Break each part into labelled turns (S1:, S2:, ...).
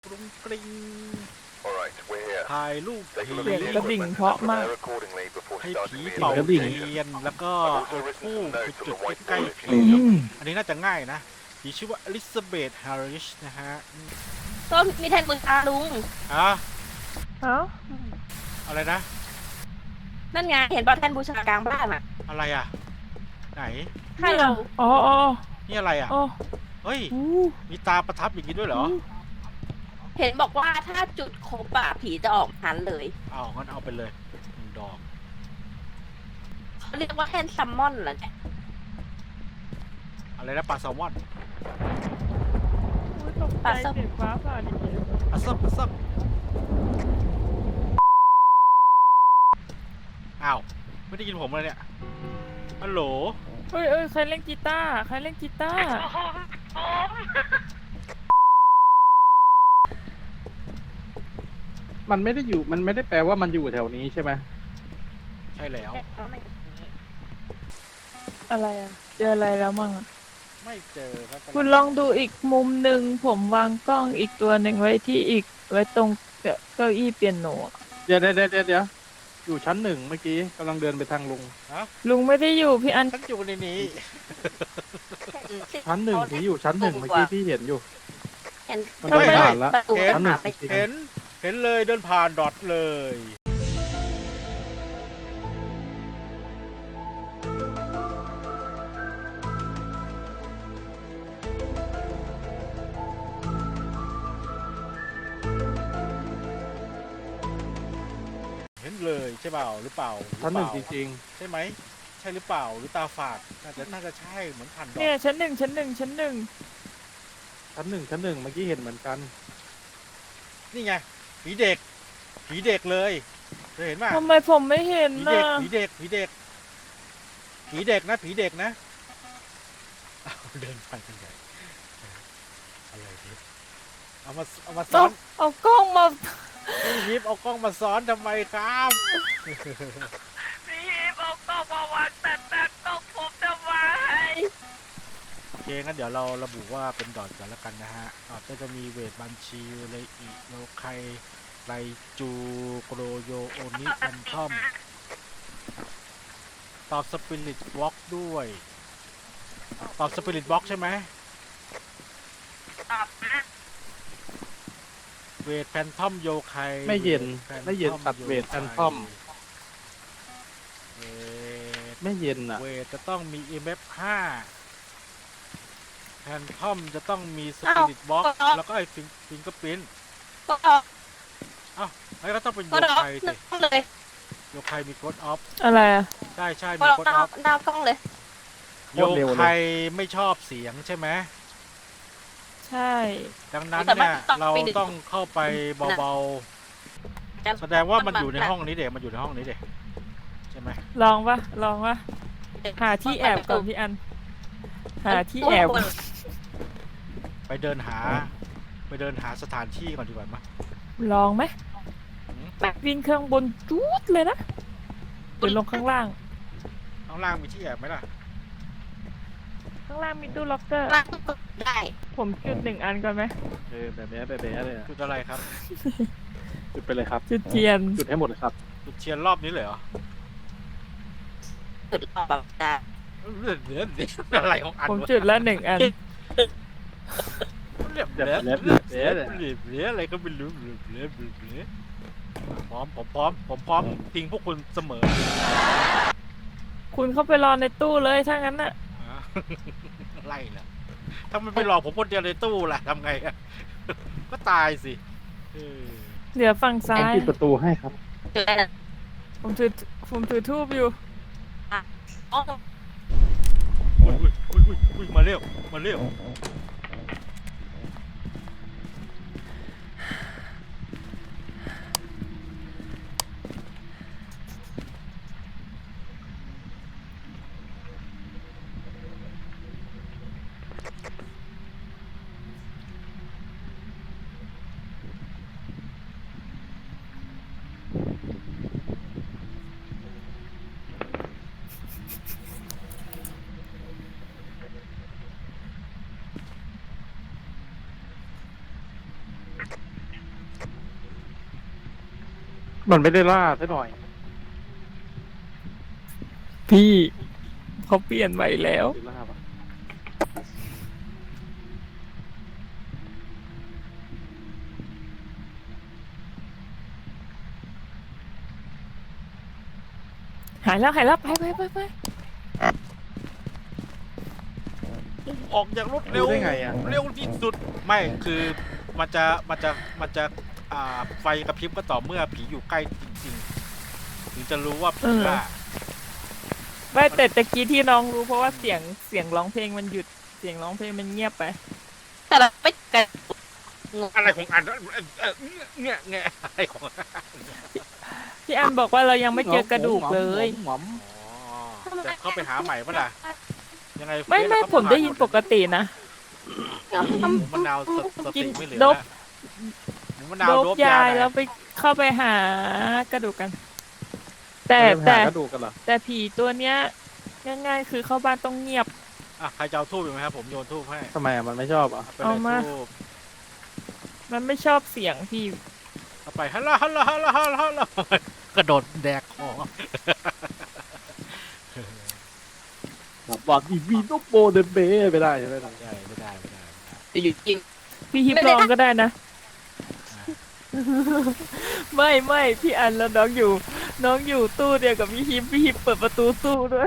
S1: กรุงกริง
S2: Alright, we're here.
S1: ถ่ายรูป
S2: Take a
S1: ผี
S2: look
S3: เสีย
S2: at
S3: ง
S2: the
S3: กระดิ่ง
S2: equipment
S3: เพราะ
S2: and
S3: มาก
S2: prepare accordingly before
S1: ให้
S2: starting
S1: ผี
S2: the
S1: เป่า
S3: กระดิ่ง
S1: เทียนแล้วก็
S2: I've
S1: เอา
S2: also written
S1: ทูบ
S2: some
S1: ไป
S2: notes on
S1: จุด
S2: the
S1: ใกล้
S2: whiteboard
S1: ๆ
S2: if
S1: ผี
S2: you need them.
S1: อันนี้น่าจะง่ายนะผีชื่อว่าอลิซาเบธ ฮาริชนะฮะ
S4: ก็มีแทนบุญตาลุง
S1: อ่ะ
S3: เอ้า
S1: อะไรนะ
S4: นั่นไงเห็นป่ะแทนบูชากลางบ้านอ่ะ
S1: อะไรอ่ะ ไหน
S4: ให้เรา
S3: อ๋ออ๋อ
S1: นี่อะไรอ่ะ
S3: อ๋อ
S1: เฮ้ย
S3: อู้
S1: มีตาประทับอย่างนี้ด้วยเหรอ
S4: เห็นบอกว่าถ้าจุดครบอะผีจะออกหันเลย
S1: เอางั้นเอาไปเลยหนึ่งดอก
S4: เขาเรียกว่าแทนซัมมอนเหรอเนี่ย
S1: อะไรนะปลาแซลมอน
S3: อุ๊ยตกใจเสียงฟ้าผ่าดิ
S1: อัสซับอัสซับอ้าว ไม่ได้ยินผมเลยเนี่ย ฮัลโหล
S3: เอ้ยเอ้ยใครเล่นกีตาร์ใครเล่นกีตาร์
S5: มันไม่ได้อยู่ มันไม่ได้แปลว่ามันอยู่แถวนี้ใช่ไหม
S1: ใช่แล้ว
S3: อะไรอ่ะเจออะไรแล้วมั่งอะ
S1: ไม่เจอครับ
S3: คุณลองดูอีกมุมหนึ่งผมวางกล้องอีกตัวหนึ่งไว้ที่อีกไว้ตรงเก้าอี้เปียโนอะ
S5: เดี๋ยวอยู่ชั้นหนึ่งเมื่อกี้กำลังเดินไปทางลุง
S3: ลุงไม่ได้อยู่พี่อัน
S1: ฉันอยู่ในนี้
S5: ชั้นหนึ่งผีอยู่ชั้นหนึ่งเมื่อกี้พี่เห็นอยู่
S4: เห็น
S5: มันเดินผ่านละ
S4: ประตู
S5: ชั้นหนึ่ง
S4: ไป
S5: จริง
S1: เห็นเลยเดินผ่านดอทเลย เห็นเลยใช่เปล่าหรือเปล่า
S5: ๆชั้นหนึ่งจริง
S1: ใช่ไหมใช่หรือเปล่าหรือตาฝาดน่าจะใช่เหมือนผ่านดอ
S3: เนี่ย
S1: ท
S3: ชั้นหนึ่งชั้นหนึ่งชั้นหนึ่ง
S5: ๆชั้นหนึ่งเมื่อกี้เห็นเหมือนกัน
S1: นี่ไงผีเด็กเลยเคยเห็นป่ะ
S3: ทำไมผมไม่เห็น
S1: ผี
S3: นะ
S1: เด็กผีเด็กผีเด็กผีเด็กนะผีเด็กนะเอาเดินไปกันใหญ่อะไรเนี่ยเอามาซ้
S3: เอา
S1: อน
S3: เอากล้องมา
S1: พี่ยิปเอากล้องมาซ้อนทำไมครับ
S4: พี่บอกต้องมาวางแต่ต้องผมทำไม
S1: โอเคงั้นเดี๋ยวเราระบุว่าเป็นดอทกันแล้วกันนะฮะดอทก็จะมีเวทบัญชีเลอิโลไคไรจูโกโรโยโอนิแอนทอมตอบสปิริตบล็อกด้วยตอบสปิริตบล็อกใช่ไหม
S4: ตอบนะ
S1: เวทแพนทอมโยไค
S5: ไม่เย็น
S1: แพทอ
S5: ไม่เย็นตัดเวทแพนทอม
S1: เวท
S5: ไม่เย็นอ่ะ
S1: เวทจะต้องมี EMF 5แพนทอมจะต้องมีสปิริตบล็อกแล้วก็ไอ้ฟิงเกอร์พิ้น
S4: ก็ออก
S1: ไอ้ก็ต้องเป็นโย
S4: ก็ออก
S1: ไคสิ
S4: นั่งเลย
S1: โยไคมีโค้ดออฟ
S3: อะไรอ่ะ
S1: ใช่ใช่
S4: ก็
S1: มี
S4: ออก
S1: โค้ด
S4: ห
S1: อ
S4: น้า
S1: อฟ
S4: หน้ากล้องเลย
S5: โค
S1: โย
S5: ตรเร็วเลย
S1: ไคไม่ชอบเสียงใช่ไหม
S3: ใช่
S1: ดังนั้นเนี่ยเราต้องเข้าไปเบาๆแสดงว่ามันอยู่ในห้องนี้เด็กมันอยู่ในห้องนี้เด็กใช่ไหม
S3: ลองปะหาที่แอบก่อนพี่อัน หาที่แอบ
S1: ไปเดินหาสถานที่ก่อนดีกว่ามั้ย
S3: ลองไหมวิ่งเครื่องบนจู๊ดเลยนะหรือลงข้างล่าง
S1: ข้างล่างมีที่แอบไหมล่ะ
S3: ข้างล่างมีตู้ล็อกเกอร์
S4: นั่งได้
S3: ผมจุด1 อันก่อนไหม
S5: แบบนี้เลยอะ
S1: จุดอะไรครับ
S5: จุดไปเลยครับ
S3: จุดเทียน
S5: จุดให้หมดเลยครับ
S1: จุดเทียนรอบนี้เลยเหรอ
S4: จุดออกแบบได้
S1: เดี๋ยวอะไรของอัน
S3: ผม
S1: วะ
S3: จุดละ1 อัน
S1: เรียบ
S5: เดี๋ยว
S1: เรียบ
S5: เดี๋ยว
S1: เรียบ
S5: เดี๋ยว
S1: เรียบอะไรก็ไม่รู้เรียบพร้อมผมพร้อมทิ้งพวกคุณเสมอ
S3: คุณเข้าไปรอในตู้เลยถ้างั้นน่ะ
S1: อ่ะไล่เหรอถ้ามันไปหลอกผมคนเดียวในตู้ล่ะทำไงอะก็ตายสิเออ
S3: เหลือฝั่งซ้าย
S5: ปิดประตูให้ครับ
S4: จุดได้เลย
S3: ผมถือทูบอยู่
S4: อ๋อ
S1: อุ้ยมาเร็ว
S5: มันไม่ได้ล่าซะหน่อย
S3: พี่เขาเปลี่ยนใหม่แล้ว
S5: หรือล่าปะ
S3: หายแล้วไป
S1: ออกอย่างรวดเร็ว
S5: รู้ได้ไงอ่ะ
S1: เร็วที่สุดไม่คือมันจะไฟกระพริบก็ต่อเมื่อผีอยู่ใกล้จริงๆถึงจะรู้ว่าผีบ้า
S3: ไม่แต่ตะกี้ที่น้องรู้เพราะว่าเสียงร้องเพลงมันหยุดเสียงร้องเพลงมันเงียบไป
S4: แต่เราไม่กัน
S1: อะไรของอันเนี่ยอะไรของ
S3: พี่อันบอกว่าเรายังไม่เจอกระดูกเลย
S5: หมอม
S1: อ๋อจะเข้าไปหาใหม่ปะล่ะยังไง
S3: ไม่
S1: เฟซเราก็
S3: ผมได้ยินปกตินะ
S1: หมูมะนาวสติไม่เหลือ
S3: โด
S1: แล้ว
S3: บ
S1: หมูมะนาว
S3: โด
S1: โด
S3: บบ ยาย
S1: หน่
S3: แล้ว
S1: อย
S3: ไปเข้าไปหากระดูกกัน แต่
S5: แต่
S3: แต่
S5: กระดูกกันเหรอ
S3: แต่ผีตัวเนี้ยง่ายๆคือเข้าบ้านต้องเงียบ
S1: อ่ะใครจะเอาทูบอยู่ไหมครับผมโยนทูบให้
S5: ทำไมอ่ะมันไม่ชอบอ่ะ
S1: ไปลย
S3: เอามา
S1: ทูบ
S3: มันไม่ชอบเสียงพี่
S1: เอาไปฮัลโหลกระโดดแดกคอ
S5: บอกอีวีโนโบเดนเบไม่ได้ใช่ไหม
S1: ไม่ได้
S4: อยู่จริง
S3: พี่ฮิปลองก็ได้นะ ไม่พี่อันแล้วน้องอยู่ตู้เดียวกับพี่ฮิปเปิดประตูตู้ด้วย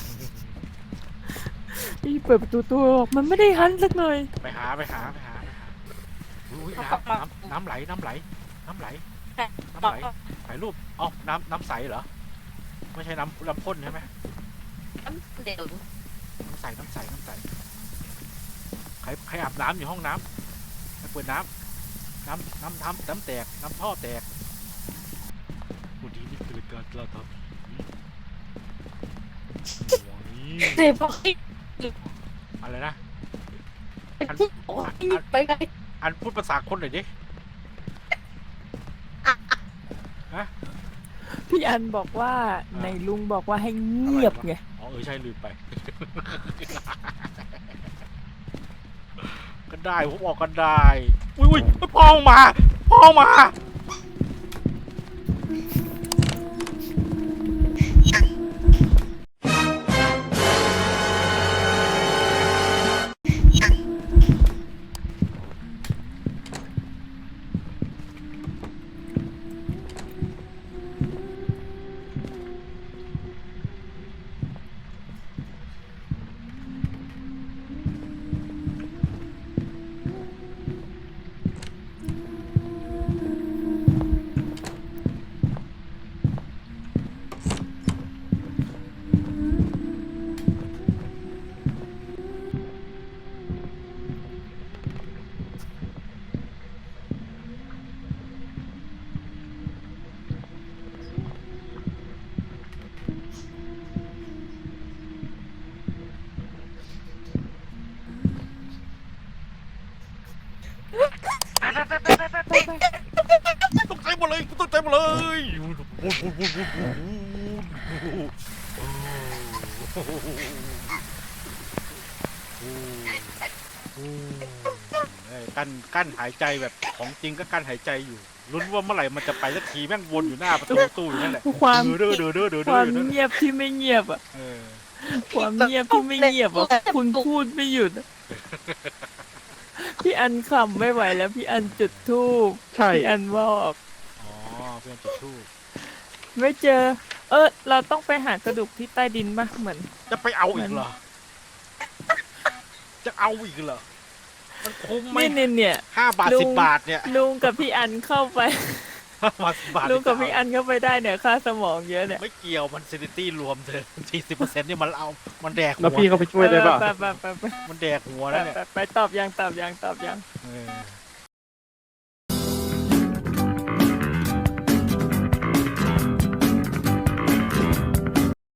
S3: พี่ฮิปเปิดประตูตู้บอกมันไม่ได้หันสักหน่อย
S1: ไปหาอุ้ยน้ำไหลถ่ายรูปอ๋อน้ำใสเหรอไม่ใช่น้ำพ่นใช่ไหม
S4: เดี๋ยว
S1: น้ำใสใครอาบน้ำอยู่ห้องน้ำใครเปิดน้ำแตกน้ำท่อแตกดูดีนี่คือการกระทำผี
S4: เดี๋ยวบอกให้
S1: อะไรนะ
S4: โอ้ยไปไง
S1: อันพูดภาษาคนหน่อยดิ
S3: พี่อันบอกว่าในลุงบอกว่าให้เงียบไง
S1: อ๋อใช่ลืมไป ก็ได้ผมบอกก็ได้อุ้ยพ่อมาตกใจหมดเลยกั้นหายใจแบบของจริงก็กั้นหายใจอยู่ลุ้นว่าเมื่อไหร่มันจะไปสักทีแม่งวนอยู่หน้าประตูตู้อยู่นั่นแหละ
S3: ความ
S1: เด้อ
S3: ความ
S1: อยู่นั่น
S3: เงียบที่ไม่เงียบอ่ะ
S1: เออ
S3: ความเงียบที่ไม่เงียบอ่ะคุณพูดไม่หยุดอะพี่อันขำไม่ไหวแล้วพี่อันจุดธูป
S5: ใช่
S3: พี่อันบอก
S1: อ๋อเพื่อนจุดทูบ
S3: ไม่เจอ เราต้องไปหากระดูกที่ใต้ดินป่ะเหมือน
S1: จะไปเอาอีกเหรอจะเอาอีกเหรอมันคุ้มไหม
S3: เนี่ย
S1: 5 บาท
S3: ลุง
S1: 10 บาทเนี่ย
S3: ลุงกับพี่อันเข้าไป
S1: 5 บาท10 บาท
S3: ลุงกับพี่อันเข้าไปได้เนี่ยค่าสมองเยอะเนี่ย
S1: ไม่เกี่ยวมันซินิตี้รวมเธอ40%นี่มันแดกหั
S5: แล้ว
S1: ว
S5: พี่เขาไปช่วยได้ป่ะ
S3: ไป
S1: มันแดกหัวแล้วเนี่ย
S3: ไปตอบยัง
S1: เออ